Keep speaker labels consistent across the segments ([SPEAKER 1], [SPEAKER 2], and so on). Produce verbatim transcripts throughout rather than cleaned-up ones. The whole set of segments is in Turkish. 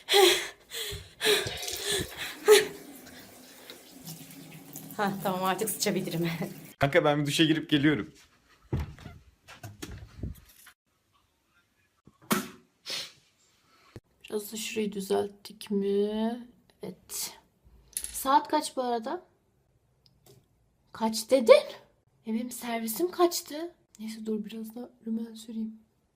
[SPEAKER 1] Ha tamam, artık sıçabilirim.
[SPEAKER 2] Kanka ben bir duşa girip geliyorum.
[SPEAKER 1] Biraz da şurayı düzelttik mi? Evet. Saat kaç bu arada? Kaç dedin? E benim servisim kaçtı? Neyse dur biraz da rümen süreyim.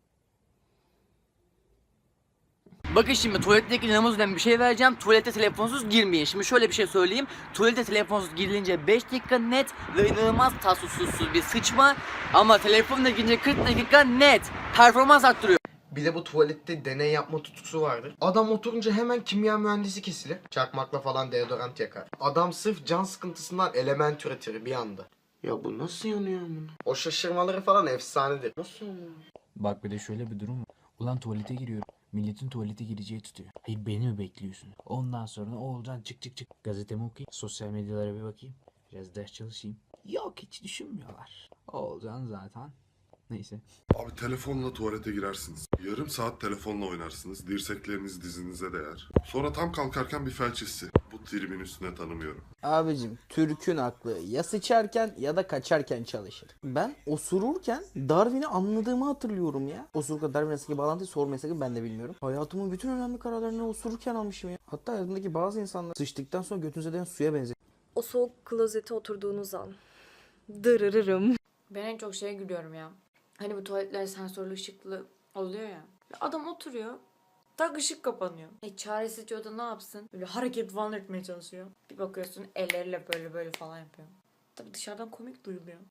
[SPEAKER 3] Bakın şimdi tuvaletteki inanılmaz bir şey vereceğim. Tuvalete telefonsuz girmeyin. Şimdi şöyle bir şey söyleyeyim. Tuvalete telefonsuz girilince beş dakika net ve inanılmaz tatsızsız bir sıçma. Ama telefonla girince kırk dakika net. Performans arttırıyor.
[SPEAKER 4] Bir de bu tuvalette deney yapma tutkusu vardır. Adam oturunca hemen kimya mühendisi kesilir. Çakmakla falan deodorant yakar. Adam sırf can sıkıntısından element üretir bir anda. Ya bu nasıl yanıyor bunu? O şaşırmaları falan efsanedir. Nasıl yanıyor?
[SPEAKER 5] Bak bir de şöyle bir durum var. Ulan tuvalete giriyorum. Milletin tuvalete gireceği tutuyor. Hayır beni mi bekliyorsun? Ondan sonra Oğulcan çık çık çık. Gazetemi okuyayım. Sosyal medyalara bir bakayım. Biraz ders çalışayım. Yok hiç düşünmüyorlar. Oğulcan zaten. Neyse.
[SPEAKER 6] Abi telefonla tuvalete girersiniz. Yarım saat telefonla oynarsınız. Dirsekleriniz dizinize değer. Sonra tam kalkarken bir felç hissi. Bu tribin üstüne tanımıyorum.
[SPEAKER 7] Abicim Türk'ün aklı ya sıçarken ya da kaçarken çalışır. Ben osururken Darwin'i anladığımı hatırlıyorum ya. Osururken Darwin arasındaki bağlantıyı sormayı sakın ben de bilmiyorum. Hayatımın bütün önemli kararlarını osururken almışım ya. Hatta hayatımdaki bazı insanlar sıçtıktan sonra götünüze değen suya benziyor.
[SPEAKER 8] O soğuk klozete oturduğunuz an. Dırırırım.
[SPEAKER 1] Ben en çok şeye gülüyorum ya. Hani bu tuvaletler sensörlü ışıklı oluyor ya. Adam oturuyor. Tak ışık kapanıyor. E çaresizce o da ne yapsın? Böyle hareket falan etmeye çalışıyor. Bir bakıyorsun elleriyle böyle böyle falan yapıyor. Tabii dışarıdan komik duyuluyor.